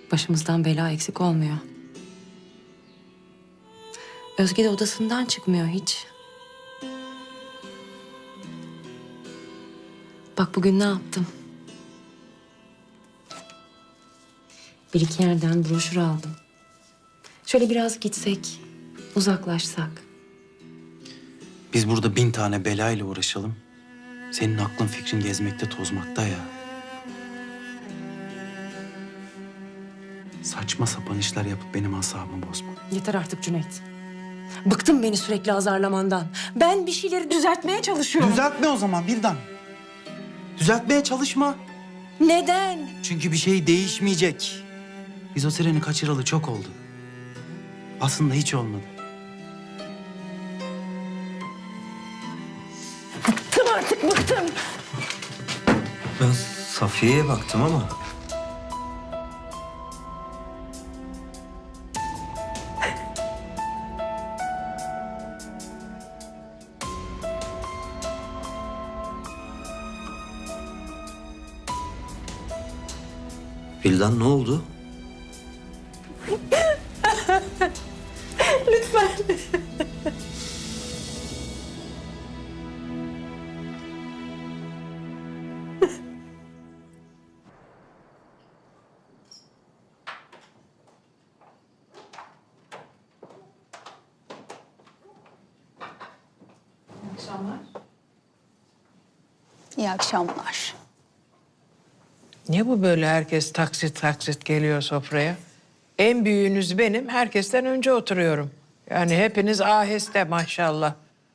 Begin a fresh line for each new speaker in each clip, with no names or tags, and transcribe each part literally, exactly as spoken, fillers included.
Başımızdan bela eksik olmuyor. Özge de odasından çıkmıyor hiç. Bak bugün ne yaptım? Bir iki yerden broşür aldım. Şöyle biraz gitsek, uzaklaşsak.
Biz burada bin tane belayla uğraşalım. Senin aklın fikrin gezmekte tozmakta ya. Saçma sapan işler yapıp benim asabımı bozma.
Yeter artık Cüneyt. Bıktım beni sürekli azarlamandan. Ben bir şeyleri düzeltmeye çalışıyorum.
Düzeltme o zaman Vildan. Düzeltmeye çalışma.
Neden?
Çünkü bir şey değişmeyecek. Biz o treni kaçıralı çok oldu. Aslında hiç olmadı.
Bıktım artık, bıktım.
Ben Safiye'ye baktım ama... Vildan ne oldu?
Lütfen.
İyi akşamlar.
Ne bu böyle herkes taksit taksit geliyor sofraya? En büyüğünüz benim, herkesten önce oturuyorum. Yani hepiniz aheste maşallah.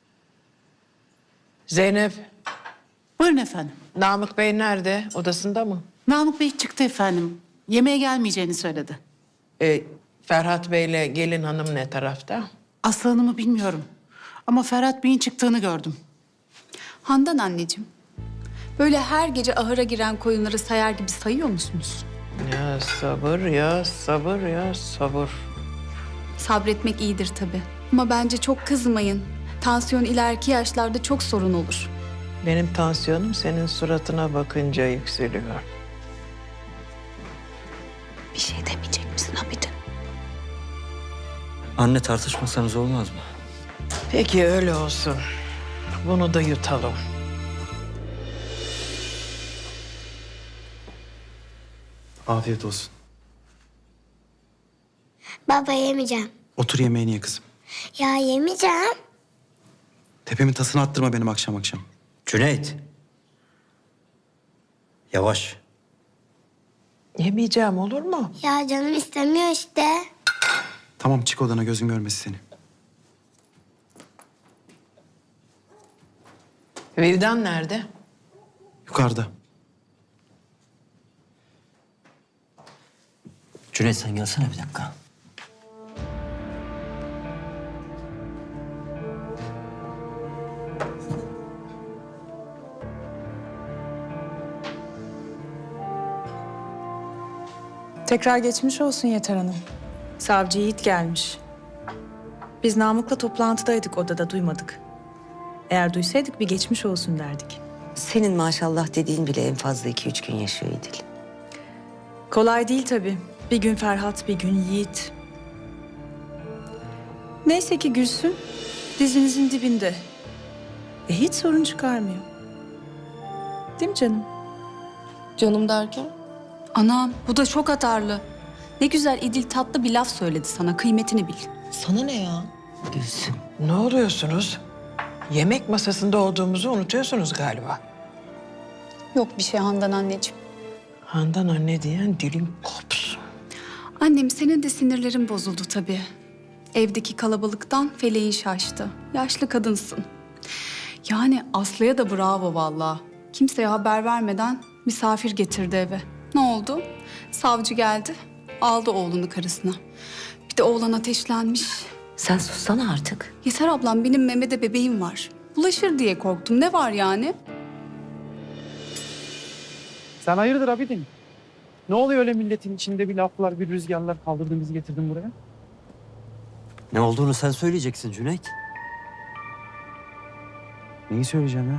Zeynep,
Buyurun efendim.
Namık Bey nerede? Odasında mı?
Namık Bey çıktı efendim. Yemeğe gelmeyeceğini söyledi.
Ee, Ferhat Bey'le gelin hanım ne tarafta?
Aslı Hanım'ı bilmiyorum. Ama Ferhat Bey'in çıktığını gördüm.
Handan anneciğim, böyle her gece ahıra giren koyunları sayar gibi sayıyor musunuz?
Ya sabır ya sabır ya sabır.
Sabretmek iyidir tabii. Ama bence çok kızmayın. Tansiyon ileriki yaşlarda çok sorun olur.
Benim tansiyonum senin suratına bakınca yükseliyor.
Bir şey demeyecek misin Hamid'im?
Anne tartışmasanız olmaz mı?
Peki öyle olsun. Bunu da yutalım.
Afiyet olsun.
Baba yemeyeceğim.
Otur yemeğini ye kızım.
Ya yemeyeceğim.
Tepemin tasını attırma benim akşam akşam.
Cüneyt. Yavaş.
Yemeyeceğim olur mu?
Ya canım istemiyor işte.
Tamam çık odana gözüm görmesin seni.
Vildan nerede?
Yukarıda.
Cüneyt sen gelsene bir dakika.
Tekrar geçmiş olsun Yeter Hanım. Savcı Yiğit gelmiş. Biz Namık'la toplantıdaydık, odada duymadık. Eğer duysaydık bir geçmiş olsun derdik.
Senin maşallah dediğin bile en fazla iki üç gün yaşıyor İdil.
Kolay değil tabii. Bir gün Ferhat, bir gün Yiğit. Neyse ki Gülsüm dizinizin dibinde. Ve hiç sorun çıkarmıyor. Değil mi canım?
Canım derken?
Anam, bu da çok atarlı. Ne güzel İdil tatlı bir laf söyledi sana, kıymetini bil.
Sana ne ya? Gülsüm.
Ne oluyorsunuz? Yemek masasında olduğumuzu unutuyorsunuz galiba.
Yok bir şey Handan anneciğim.
Handan anne diyen dilin kopsun.
Annem senin de sinirlerin bozuldu tabii. Evdeki kalabalıktan feleğin şaştı. Yaşlı kadınsın. Yani Aslı'ya da bravo vallahi. Kimseye haber vermeden misafir getirdi eve. Ne oldu? Savcı geldi, aldı oğlunu karısına. Bir de oğlan ateşlenmiş.
Sen sussana artık.
Yeter ablam, benim Mehmet'e bebeğim var. Bulaşır diye korktum. Ne var yani?
Sen hayırdır abidin? Ne oluyor öyle milletin içinde bir laflar, bir rüzgarlar kaldırdın bizi getirdin buraya?
Ne olduğunu sen söyleyeceksin Cüneyt.
Neyi söyleyeceğim ya?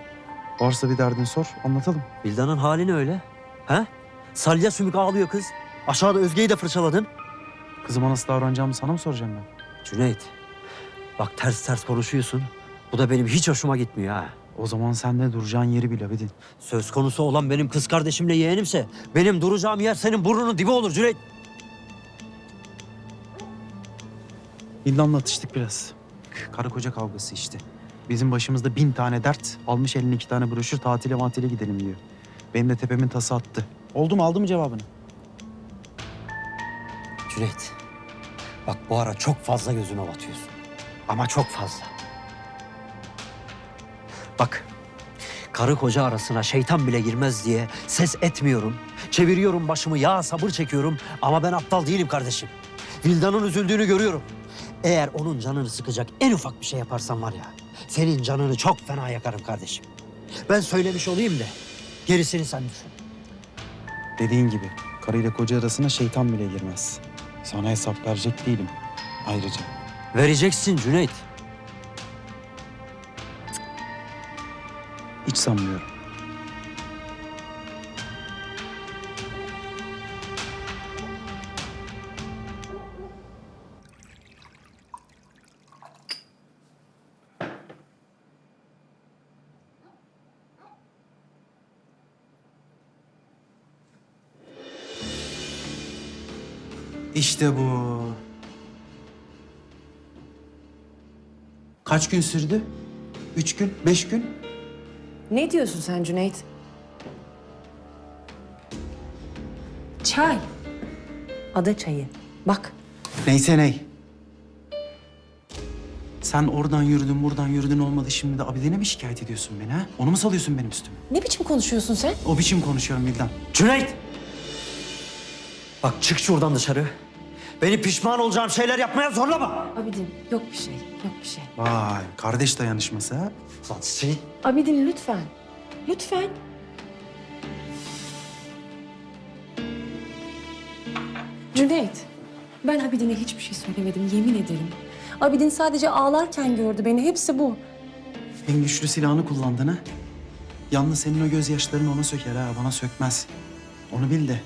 Varsa bir derdin sor, anlatalım.
Vildan'ın hali ne öyle? Ha? Salya sümük ağlıyor kız. Aşağıda Özge'yi de fırçaladın.
Kızıma nasıl davranacağımı sana mı soracağım ben?
Cüneyt, bak ters ters konuşuyorsun. Bu da benim hiç hoşuma gitmiyor ha.
O zaman sen de duracağın yeri bil Abidin.
Söz konusu olan benim kız kardeşimle yeğenimse benim duracağım yer senin burnunun dibi olur Cüneyt.
Bildan'la atıştık biraz. Karı koca kavgası işte. Bizim başımızda bin tane dert. Almış eline iki tane broşür, tatile matile gidelim diyor. Benim de tepemin tası attı. Oldu mu, aldı mı cevabını?
Cüneyt, bak bu ara çok fazla gözüme batıyorsun. Ama çok fazla. Bak, karı koca arasına şeytan bile girmez diye ses etmiyorum. Çeviriyorum başımı, ya sabır çekiyorum. Ama ben aptal değilim kardeşim. Vildan'ın üzüldüğünü görüyorum. Eğer onun canını sıkacak en ufak bir şey yaparsan var ya, senin canını çok fena yakarım kardeşim. Ben söylemiş olayım da gerisini sen düşün.
Dediğin gibi karıyla koca arasına şeytan bile girmez. Sana hesap verecek değilim ayrıca.
Vereceksin Cüneyt.
Hiç sanmıyorum. İşte bu. Kaç gün sürdü? Üç gün, beş gün?
Ne diyorsun sen Cüneyt? Çay. Ada çayı. Bak.
Neyse ney. Sen oradan yürüdün, buradan yürüdün olmadı. Şimdi de Abide'ne mi şikayet ediyorsun beni ha? Onu mu salıyorsun benim üstüme?
Ne biçim konuşuyorsun sen?
O biçim konuşuyorum Vildan.
Cüneyt! Bak çık şuradan dışarı. Beni pişman olacağım şeyler yapmaya zorlama.
Abidin yok bir şey, yok bir şey.
Vay, kardeş dayanışması ha?
Lan seni...
Abidin lütfen. Lütfen. Cüneyt, ben Abidin'e hiçbir şey söylemedim, yemin ederim. Abidin sadece ağlarken gördü beni, hepsi bu.
En güçlü silahını kullandın ha? Yalnız senin o gözyaşların ona söker ha, bana sökmez. Onu bil de.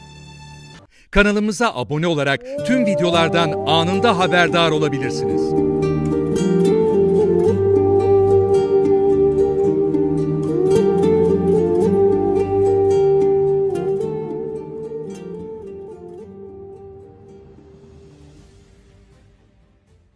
Kanalımıza abone olarak tüm videolardan anında haberdar olabilirsiniz.